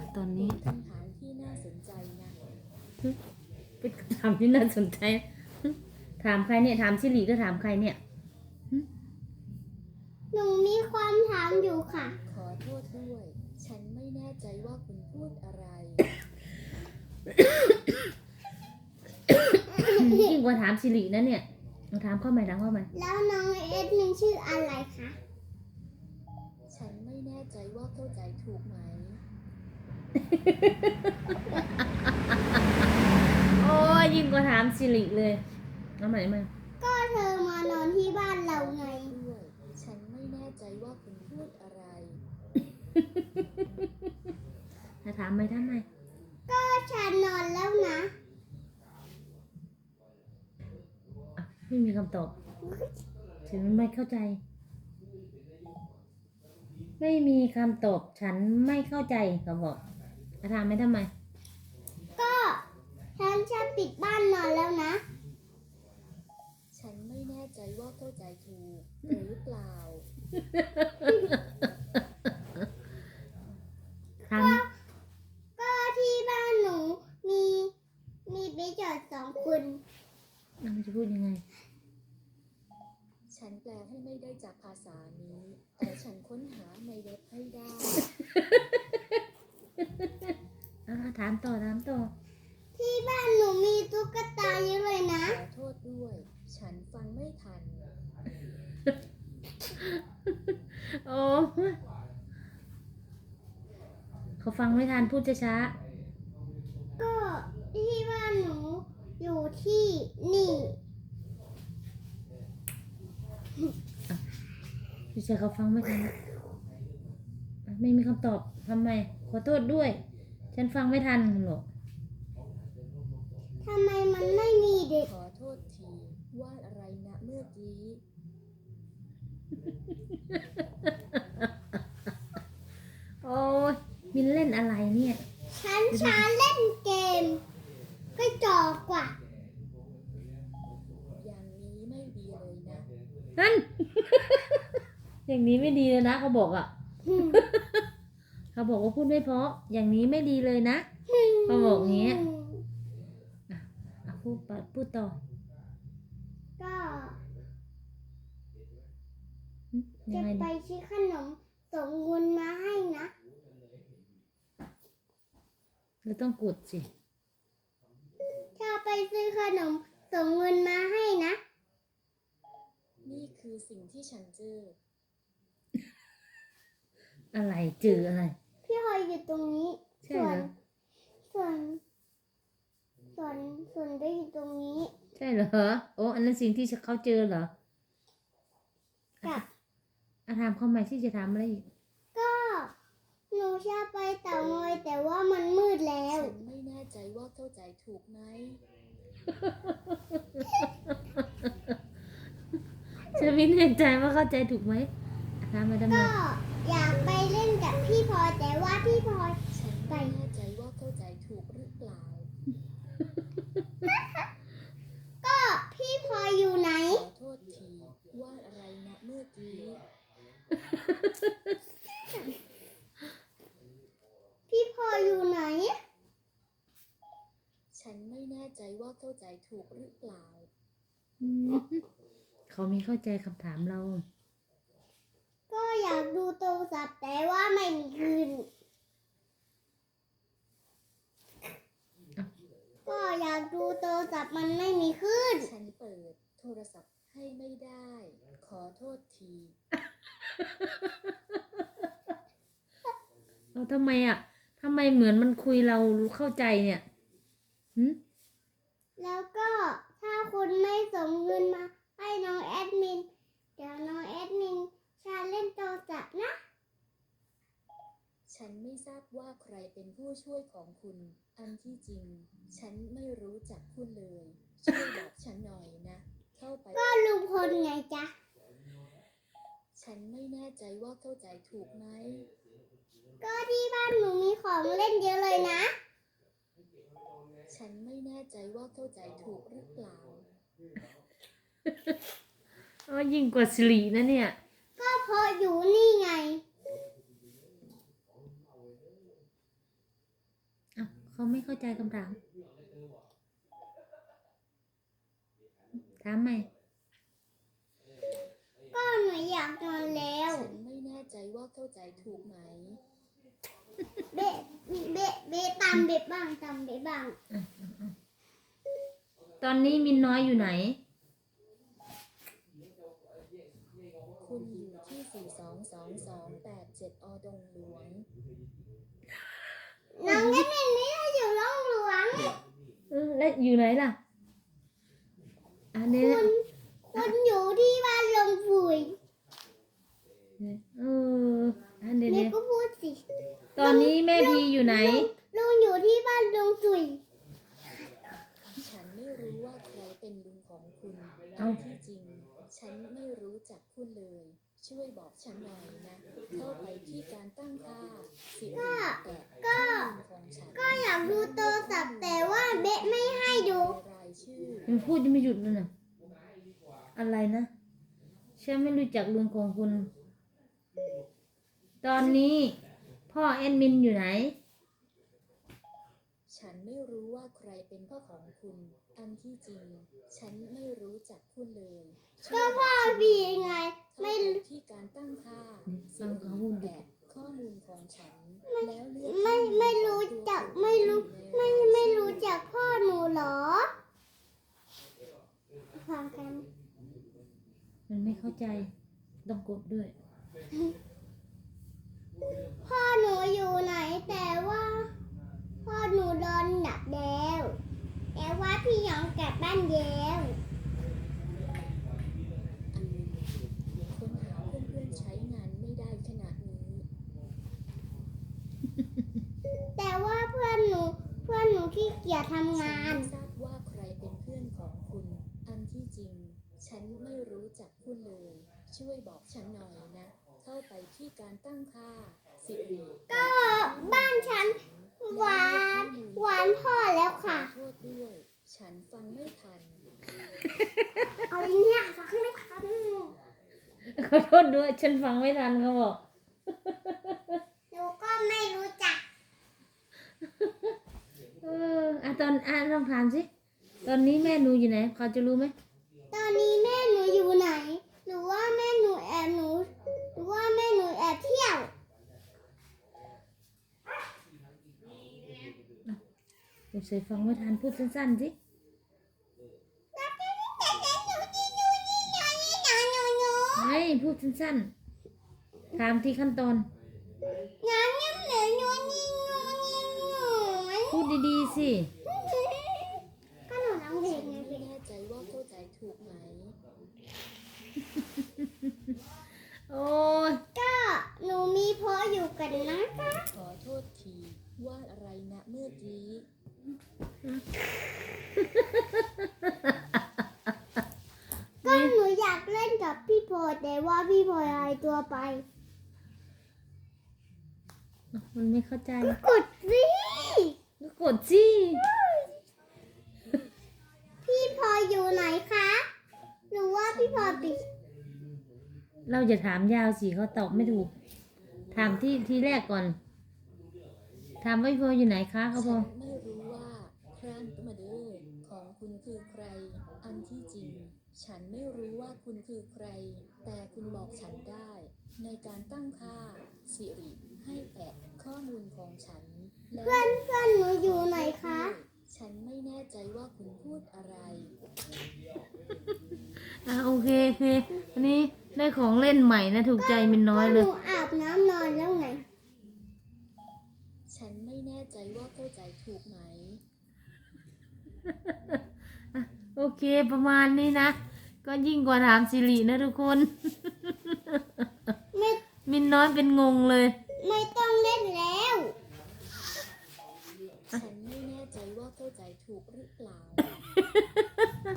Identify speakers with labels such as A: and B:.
A: ตอนนี้
B: คำถามที่น่าสนใจนะ
A: เป็นคำถามที่น่าสนใจถามใครเนี่ยถามชิลีก็ถามใครเนี่ย
C: หนูมีความถามอยู่ค่ะ
B: ขอโทษด้วย ฉันไม่แน่ใจว่าคุณพูดอะไร
A: ยิ่งกว่าถามชิลีนะเนี่ยถามเข้าใหม่ถามเข้าใหม่
C: แล้วน้องเอสมินชื่ออะไรคะ
B: ฉันไม่แน่ใจว่าเข้าใจถูกไหม
A: โอ้ยยิ่งกว่าถามชิลีเลยเอาใหม่มา
C: ก็เธอมานอนที่บ้านเราไง
B: ด้วย ฉันไม่แน่ใจว่าคุณพูดอะไร
A: ถ้าถามไม่ทำไม
C: ก็ฉันนอนแล้วนะ
A: ไม่มีคำตอบฉันไม่เข้าใจ ไม่มีคำตอบฉันไม่เข้าใจเขาบอกถ้าถามไม่ทำไม
C: ก็ฉันจะปิดบ้านนอนแล้วนะ
B: ฉันไม่แน่ใจว่าเข้าใจถูกหรือเปล่า
A: ถาม
C: ก็ที่บ้านหนูมีไปจอด2 คน
A: มันจะพูดยังไง
B: ฉันแปลให้ไม่ได้จากภาษานี้ แต่ฉันค้นหาในเว็บให้ได้
A: ถามต่อถามต่อ
C: ที่บ้านหนูมีตุ๊กตาเยอะเลยนะ
B: ขอโทษด้วย ฉันฟังไม่ทัน
A: โอ้เขาฟังไม่ทันพูดช้า
C: ก็ที่บ้านหนูอยู่ที่นี่
A: ๆพี่ชายเขาฟังไม่ทันไม่มีคำตอบทำไมขอโทษด้วย ฉันฟังไม่ทันหรอก
C: ทำไมมันไม่มีเด็ก
B: ขอโทษทีวาดอะไรนะเมื่อกี้
A: โอ้ยมินเล่นอะไรเนี่ย
C: ฉันเล่นเกม ก็จอกกว่า
B: อย่างนี้ไม่ดีเลยนะ
A: นั่น อย่างนี้ไม่ดีเลยนะเขาบอกอ่ะ เขาบอกว่าพูดไม่เพราะอย่างนี้ไม่ดีเลยนะ เขาบอกอย่างเงี้ย พูดต่อ
C: ก็
A: ยั
C: จะ
A: งไง
C: ไป
A: ดี
C: ซื้อขนมส่งเงินมาให้นะ
A: เราต้องกดสิ
C: ถ้าไปซื้อขนมส่งเงินมาให้นะ
B: นี่คือสิ่งที่ฉันเจอ
A: อะไรจืออะไร
C: พี่หอยอยู่ตรงนี้
A: ใช่เหรอ
C: ส่วนได้อยู่ตรงนี้
A: ใช่เหรอโอ้อันนั้นสิ่งที่เขาเจอเหรอ
C: กับ
A: ถามเขาใหม่ที่จะถามอะไรอีก
C: ก็หนูจะไปเต่างอยแต่ว่ามันมืดแล้ว
B: ฉันไม่แน่ใจว่าเข้าใจถูกไหม
A: จะไม่แน่ใจว่าเข้าใจถูกไหมถามมาทำไม
C: ก็อยากไปเล่นกับพี่พลอยแต่ว่าพี่พลอย
B: ฉันไม่แน่ใจว่าเข้าใจถูกหรือเปล่า
C: ก็พี่พลอยอยู่ไหน
B: ขอโทษทีวาดอะไรนะเมื่อกี้
C: พี่พลอยอยู่ไหน
B: ฉันไม่แน่ใจว่าเข้าใจถูกหรือเปล่า
A: เขามีเข้าใจคำถามเรา
C: ก็อยากดูโทรศัพท์แต่ว่าไม่มีคืน ก็อยากดูโทรศัพท์มันไม่มีคืน
B: ฉันเปิดโทรศัพท์ให้ไม่ได้ ขอโทษที
A: เราทำไมอ่ะทำไมเหมือนมันคุยเราเข้าใจเนี่ยหืม
C: แล้วก็ถ้าคุณไม่ส่งเงินมาให้น้องแอดมิน เดี๋ยวน้องแอดมินจะเล่นโทรศัพท์นะ
B: ฉันไม่ทราบว่าใครเป็นผู้ช่วยของคุณ อันที่จริง ฉันไม่รู้จักคุณเลย ช่วยบอกฉันหน่อยนะ เข้าไป
C: ก็ลุงพลไงจ๊ะ
B: ฉันไม่แน่ใจว่าเข้าใจถูกไหม
C: ก็ที่บ้านหนูมีของเล่นเยอะเลยนะ
B: ฉันไม่แน่ใจว่าเข้าใจถูกหรือเปล่า
A: อ๋อยิ่งกว่าสิรินะเนี่ย
C: ก็เพราะอยู่นี่ไง
A: เขาไม่เข้าใจคำถาม ถามใหม่
C: ก็หนูอยากนอนแล้ว
B: ฉันไม่แน่ใจว่าเข้าใจถูกไหม
C: เบะเบะตามเบะบ้างตามเบะบ้าง
A: ตอนนี้มินน้อยอยู่ไหน
B: คุณอยู่ที่ 42228 7 อดงหลวง
C: น้องแอดมินไม่ได้อยู่ร่องหลวง
A: แล้วอยู่ไหนล่ะ อันนี้
C: คุณอยู่ที่บ้านลงฝุ่ย
A: อันเดี๋ยว
C: นี่ก็พูดสิ
A: ตอนนี้แม่พีอยู่ไหน
C: ลุงอยู่ที่บ้านลงฝุ่ย
B: ฉันไม่รู้ว่าใครเป็นลุงของคุณ
A: เอ้า
B: ที่จริง ฉันไม่รู้จักคุณเลย ช่วยบอกฉันหน่อยนะ เข้าไปที่การตั้งค่าสิริแต่ข้อมูลของฉัน
C: ก็อยากดูโทรศัพท์แต่ว่าเบะไม่ให้ดู
B: รายชื่อ
A: มันพูดยังไม่หยุดเลยนะอะไรนะฉันไม่รู้จักลุงของคุณ ตอนนี้ พ่อแอดมินอยู่ไหน
B: ฉันไม่รู้ว่าใครเป็นพ่อของคุณ อันที่จริง ฉันไม่รู้จักคุณเลย
C: ก็พ่อบีไง
B: ไม่
C: ไม่
B: ที่การตั้งค่า
A: ฟังเขาพูดดิ
B: แต่ข้อมูลของฉัน แล้วเลือก
C: ไม่รู้จักไม่รู้จักพ่อหนูเหรอฟังกัน
A: มันไม่เข้าใจ ต้องกดด้วย
C: พ่อหนูอยู่ไหนแต่ว่าพ่อหนูโดนดับแล้วแต่ว่าพี่หยองกลับบ้านแล้ว
B: ค้นหาเพื่อนๆใช้งานไม่ได้ขนาดนี้
C: แต่ว่าเพื่อนหนูขี้เกียจทำงาน
B: ฉัไม่ทราบว่าใครเป็นเพื่อนของคุณ อันที่จริง ฉันไม่รู้จักคุณเลย ช่วยบอกฉันหน่อยนะ เข้าไปที่การตั้งค่าสิริ
C: ก็บ้านฉันหวานพ่อแล้วค่ะ
B: ขอโทษด้วย ฉันฟังไม่ทัน
C: เอาเนี่ยฟังไม่ทัน
A: ขอโทษด้วย ฉันฟังไม่ทันเขาบอก
C: หนูก็ไม่รู้จัก
A: ลองถามสิ ตอนนี้แม่หนูอยู่ไหน เขาจะรู้ไหม
C: ตอนนี้แม่หนูอยู่ไหน หรือว่าแม่หนูแอบเที่ยว
A: เดี๋ยวเสยฟังไม่ทันพูดสั้นๆสิ ไม่พูดสั้นๆ ถามที่ขั้นตอน พูดดีๆสิ
C: ก็หนูร้องเพล
B: ฉั
C: ง
B: น
C: ไง
B: ไม่แน่ใจว่าเข้าใจถูกไหม
A: โอ้ย
C: ก็หนูมีพ่ออยู่กันนะคะ
B: ขอโทษทีว่าอะไรนะเมื่อกี้
C: ก็หนูอยากเล่นกับพี่พลอยแต่ว่าพี่พลอยหายตัวไป
A: มันไม่เข้าใจ
C: กดสิ
A: ก็กดสิ
C: พี่พลอยอยู่ไหนคะหรือว่าพี่พลอยปิด
A: เราจะถามยาวสิเขาตอบไม่ถูก ถามที่แรกก่อน ถามว่าพี่พออยู่ไหนคะเขาพ
B: ฉั
A: อ
B: นไม่รู้ว่าครั้งมาเดอร์ของคุณคือใคร อันที่จริง ฉันไม่รู้ว่าคุณคือใคร แต่คุณบอกฉันได้ ในการตั้งค่าสิริให้แตะข้อมูลของฉันและ
C: เพื่อนหนูอยู่ไหนคะ
B: ฉันไม่แน่ใจว่าคุณพูดอะไร
A: โอเคอันนี้ได้ของเล่นใหม่นะถูกใจมินน้อย
C: ก็
A: เล
C: ห
A: ย
C: นูอาบน้ำนอนแล้วไง
B: ฉันไม่แน่ใจว่าเข้าใจถูกไหม
A: โอเคประมาณนี้นะ ก็ยิ่งกว่าถามสิรินะทุกคน
C: ไม่
A: มินน้อยเป็นงงเลย
C: ไม่ต้องเล่นแล้ว
B: ฉันไม่แน่ใจว่าเข้าใจถูกหรือเปล่า